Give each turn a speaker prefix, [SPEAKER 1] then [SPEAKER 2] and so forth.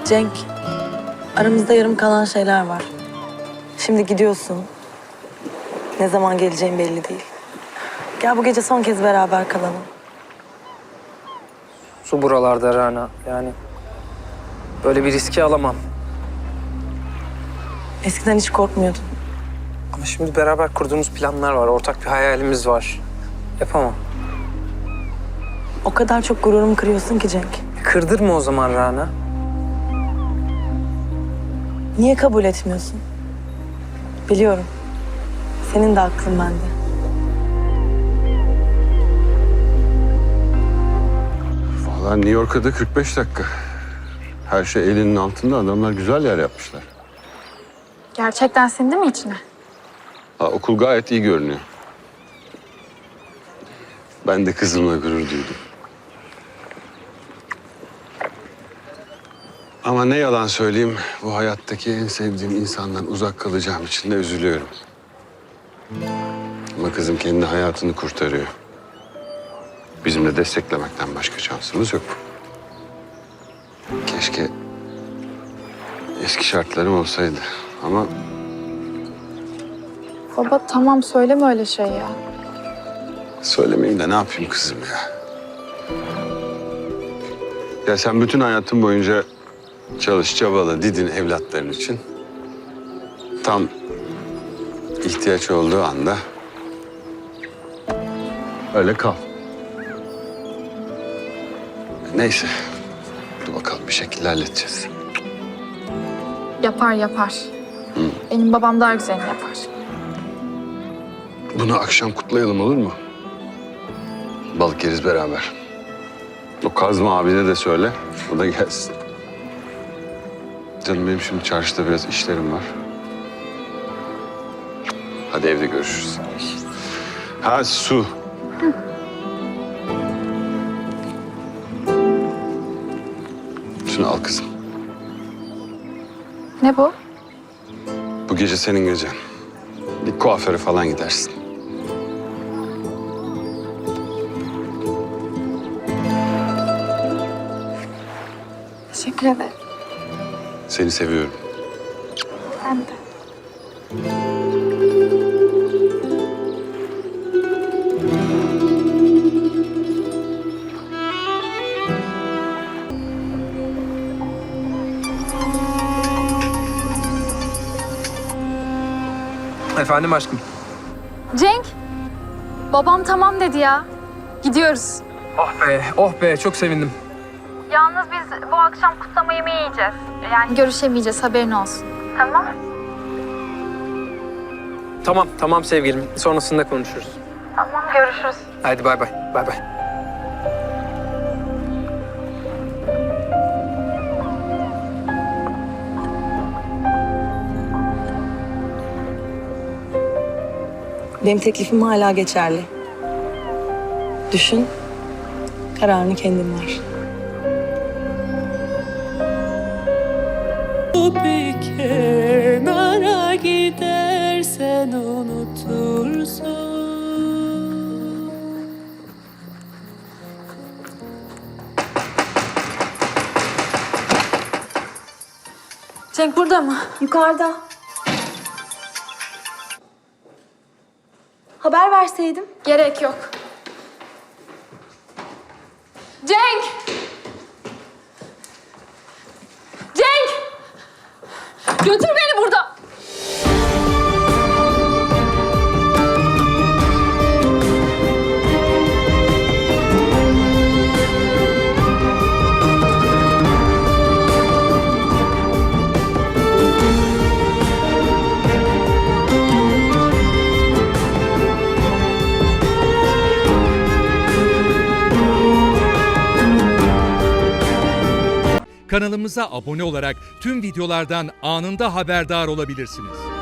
[SPEAKER 1] Cenk, aramızda yarım kalan şeyler var. Şimdi gidiyorsun. Ne zaman geleceğin belli değil. Gel bu gece son kez beraber kalalım.
[SPEAKER 2] Su buralarda Rana. Yani böyle bir riski alamam.
[SPEAKER 1] Eskiden hiç korkmuyordun.
[SPEAKER 2] Ama şimdi beraber kurduğumuz planlar var. Ortak bir hayalimiz var. Yapamam.
[SPEAKER 1] O kadar çok gururumu kırıyorsun ki Cenk.
[SPEAKER 2] Kırdırma o zaman Rana.
[SPEAKER 1] Niye kabul etmiyorsun? Biliyorum. Senin de aklın bende.
[SPEAKER 3] Vallahi New York'a da 45 dakika. Her şey elinin altında. Adamlar güzel yer yapmışlar.
[SPEAKER 4] Gerçekten sindi mi içine?
[SPEAKER 3] Okul gayet iyi görünüyor. Ben de kızımla gurur duydum. Ama ne yalan söyleyeyim, bu hayattaki en sevdiğim insandan uzak kalacağım için de üzülüyorum. Ama kızım kendi hayatını kurtarıyor. Bizim de desteklemekten başka şansımız yok. Keşke eski şartlarım olsaydı ama
[SPEAKER 4] Baba tamam söyleme öyle şey ya.
[SPEAKER 3] söylemeyeyim de ne yapayım kızım ya. Ya sen bütün hayatın boyunca çalış, çabala, didin evlatların için. Tam ihtiyaç olduğu anda öyle kal. Neyse. Dur bakalım bir şekilde halledeceğiz.
[SPEAKER 4] Yapar yapar. Benim babam daha güzelini yapar.
[SPEAKER 3] Bunu akşam kutlayalım olur mu? Balık yeriz beraber. O Kazma abine de söyle. O da gelsin. Canım benim şimdi çarşıda biraz işlerim var. Hadi evde görüşürüz. Ha Su. Şunu al kızım.
[SPEAKER 4] Ne bu?
[SPEAKER 3] Bu gece senin gecen. Bir kuaföre falan gidersin.
[SPEAKER 4] Teşekkür ederim.
[SPEAKER 3] Seni seviyorum.
[SPEAKER 4] Ben de.
[SPEAKER 2] Efendim aşkım.
[SPEAKER 4] Cenk, babam tamam dedi ya. Gidiyoruz.
[SPEAKER 2] Oh be, oh be. Çok sevindim.
[SPEAKER 4] Yalnız biz bu akşam kutlama yemeği yiyeceğiz. Yani görüşemeyeceğiz, haberin olsun. Tamam.
[SPEAKER 2] Tamam, tamam sevgilim. Sonrasında konuşuruz.
[SPEAKER 4] Tamam, görüşürüz.
[SPEAKER 2] Hadi bay bay, bay bay.
[SPEAKER 1] Benim teklifim hala geçerli. Düşün, kararını kendin ver.
[SPEAKER 5] Bir kenara gidersen unutursun.
[SPEAKER 4] Cenk burada mı?
[SPEAKER 6] Yukarıda. Haber verseydim.
[SPEAKER 4] Gerek yok. Cenk! Cenk! Götür beni buradan!
[SPEAKER 7] Kanalımıza abone olarak tüm videolardan anında haberdar olabilirsiniz.